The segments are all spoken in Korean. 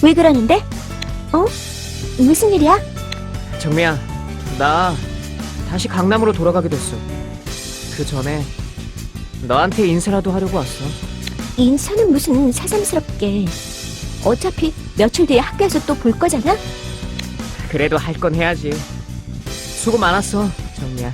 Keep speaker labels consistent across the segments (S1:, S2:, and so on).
S1: 왜 그러는데? 어? 무슨 일이야?
S2: 정미야, 나 다시 강남으로 돌아가게 됐어. 그 전에 너한테 인사라도 하려고 왔어.
S1: 인사는 무슨 새삼스럽게. 어차피 며칠 뒤에 학교에서 또 볼 거잖아?
S2: 그래도 할 건 해야지. 수고 많았어, 정미야.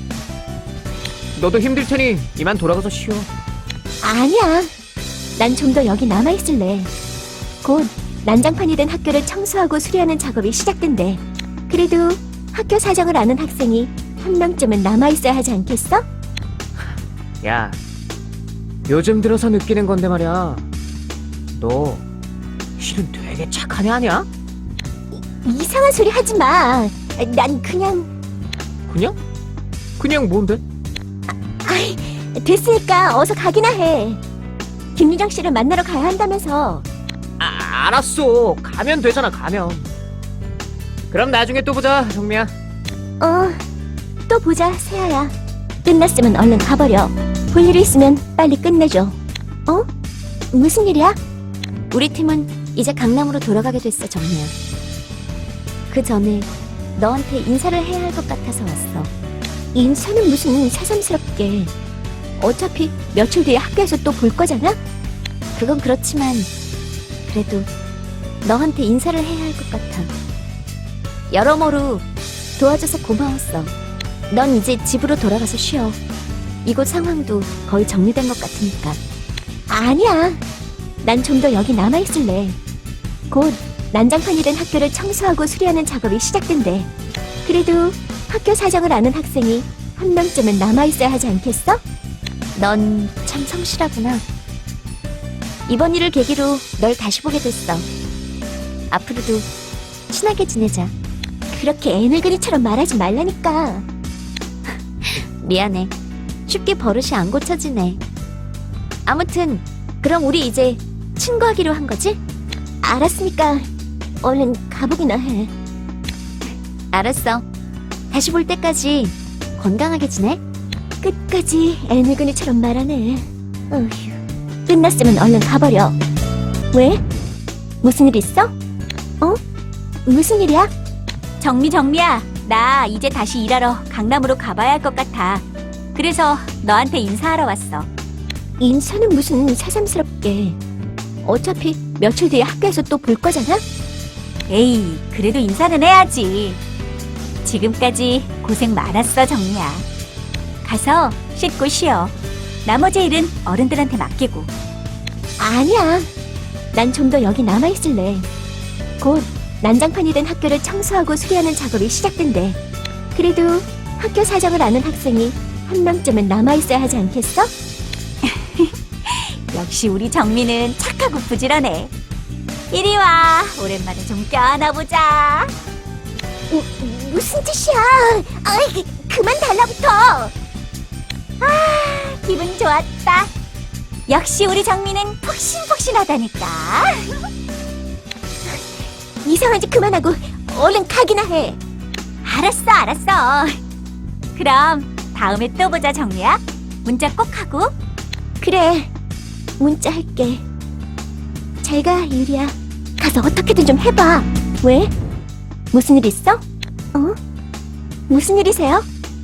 S2: 너도 힘들 테니 이만 돌아가서 쉬어.
S1: 아니야. 난 좀 더 여기 남아있을래. 곧 난장판이 된 학교를 청소하고 수리하는 작업이 시작된대. 그래도 학교 사정을 아는 학생이 한 명쯤은 남아있어야 하지 않겠어?
S2: 야, 요즘 들어서 느끼는 건데 말이야. 너 실은 되게 착한 애 아니야?
S1: 이상한 소리 하지 마. 난 그냥...
S2: 그냥? 그냥 뭔데?
S1: 아이, 됐으니까 어서 가기나 해. 김유정 씨를 만나러 가야 한다면서.
S2: 알았어. 가면 되잖아, 가면. 그럼 나중에 또 보자, 정미야.
S1: 또 보자, 세아야. 끝났으면 얼른 가버려. 볼 일이 있으면 빨리 끝내줘. 무슨 일이야? 우리 팀은 이제 강남으로 돌아가게 됐어, 정미야. 그 전에 너한테 인사를 해야 할 것 같아서 왔어. 인사는 무슨 새삼스럽게. 어차피 며칠 뒤에 학교에서 또 볼 거잖아? 그건 그렇지만 그래도 너한테 인사를 해야 할 것 같아. 여러모로 도와줘서 고마웠어. 넌 이제 집으로 돌아가서 쉬어. 이곳 상황도 거의 정리된 것 같으니까. 아니야. 난 좀 더 여기 남아있을래. 곧 난장판이 된 학교를 청소하고 수리하는 작업이 시작된대. 그래도 학교 사정을 아는 학생이 한 명쯤은 남아있어야 하지 않겠어? 넌 참 성실하구나. 이번 일을 계기로 널 다시 보게 됐어. 앞으로도 친하게 지내자. 그렇게 애늙은이처럼 말하지 말라니까. 미안해. 쉽게 버릇이 안 고쳐지네. 아무튼 그럼 우리 이제 친구하기로 한 거지? 알았으니까 얼른 가보기나 해. 알았어. 다시 볼 때까지 건강하게 지내. 끝까지 애늙은이처럼 말하네. 어휴. 끝났으면 얼른 가버려. 왜? 무슨 일 있어? 무슨 일이야? 정미야. 나 이제 다시 일하러 강남으로 가봐야 할 것 같아. 그래서 너한테 인사하러 왔어. 인사는 무슨 새삼스럽게. 어차피 며칠 뒤에 학교에서 또 볼 거잖아? 에이, 그래도 인사는 해야지. 지금까지 고생 많았어, 정미야. 가서 씻고 쉬어. 나머지 일은 어른들한테 맡기고. 아니야. 난 좀 더 여기 남아있을래. 곧 난장판이 된 학교를 청소하고 수리하는 작업이 시작된대. 그래도 학교 사정을 아는 학생이 한 명쯤은 남아있어야 하지 않겠어? 역시 우리 정미는 착하고 부지런해. 이리 와. 오랜만에 좀 껴안아보자. 무슨 짓이야? 아이, 그만 달라붙어. 기분 좋았다. 역시 우리 정미는 폭신폭신하다니까. 이상한 짓 그만하고 얼른 가기나 해. 알았어. 그럼 다음에 또 보자, 정미야. 문자 꼭 하고. 그래, 문자 할게. 잘 가, 유리야. 가서 어떻게든 좀 해봐. 왜? 무슨 일 있어? 무슨 일이세요?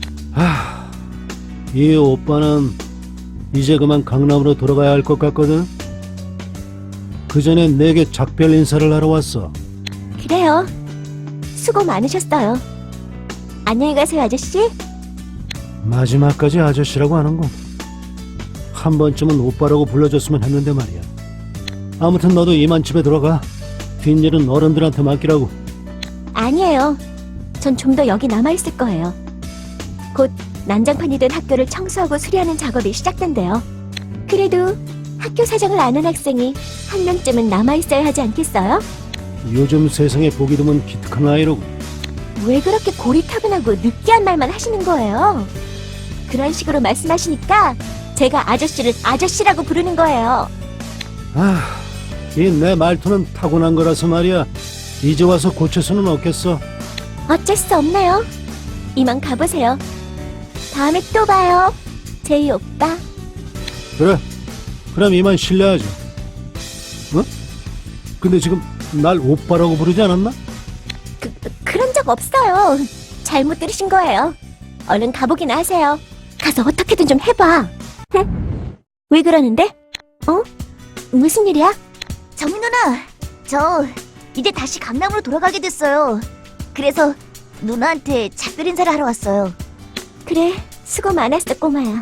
S3: 이 오빠는 이제 그만 강남으로 돌아가야 할 것 같거든. 그 전에 내게 작별 인사를 하러 왔어.
S1: 그래요. 수고 많으셨어요. 안녕히 가세요, 아저씨.
S3: 마지막까지 아저씨라고 하는군. 한 번쯤은 오빠라고 불러줬으면 했는데 말이야. 아무튼 너도 이만 집에 들어가. 뒷일은 어른들한테 맡기라고.
S1: 아니에요. 전 좀 더 여기 남아있을 거예요. 곧 난장판이 된 학교를 청소하고 수리하는 작업이 시작된대요. 그래도 학교 사정을 아는 학생이 한 명쯤은 남아있어야 하지 않겠어요?
S3: 요즘 세상에 보기 드문 기특한 아이로군.
S1: 왜 그렇게 고리타분하고 느끼한 말만 하시는 거예요? 그런 식으로 말씀하시니까 제가 아저씨를 아저씨라고 부르는 거예요.
S3: 이 내 말투는 타고난 거라서 말이야. 이제 와서 고칠 수는 없겠어.
S1: 어쩔 수 없네요. 이만 가보세요. 다음에 또 봐요, 제이 오빠.
S3: 그래, 그럼 이만 실례하지. 근데 지금 날 오빠라고 부르지 않았나?
S1: 그런 적 없어요. 잘못 들으신 거예요. 얼른 가보기나 하세요. 가서 어떻게든 좀 해봐. 응? 왜 그러는데? 무슨 일이야?
S4: 정희 누나, 저 이제 다시 강남으로 돌아가게 됐어요. 그래서 누나한테 작별 인사를 하러 왔어요.
S1: 그래, 수고 많았어, 꼬마야.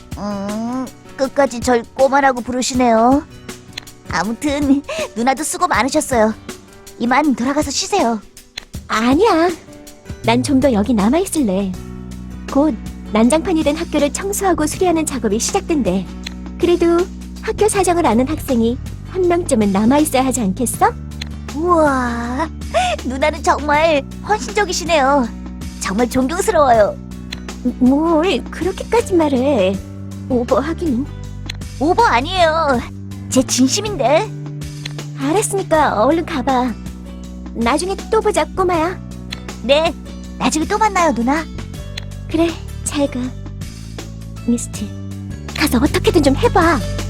S4: 끝까지 절 꼬마라고 부르시네요. 아무튼 누나도 수고 많으셨어요. 이만 돌아가서 쉬세요.
S1: 아니야. 난 좀 더 여기 남아있을래. 곧 난장판이 된 학교를 청소하고 수리하는 작업이 시작된대. 그래도 학교 사정을 아는 학생이 한 명쯤은 남아있어야 하지 않겠어?
S4: 우와, 누나는 정말 헌신적이시네요. 정말 존경스러워요.
S1: 뭘 그렇게까지 말해. 오버하기는.
S4: 오버 아니에요. 제 진심인데.
S1: 알았으니까 얼른 가봐. 나중에 또 보자, 꼬마야.
S4: 네, 나중에 또 만나요, 누나.
S1: 그래, 잘 가. 미스트, 가서 어떻게든 좀 해봐.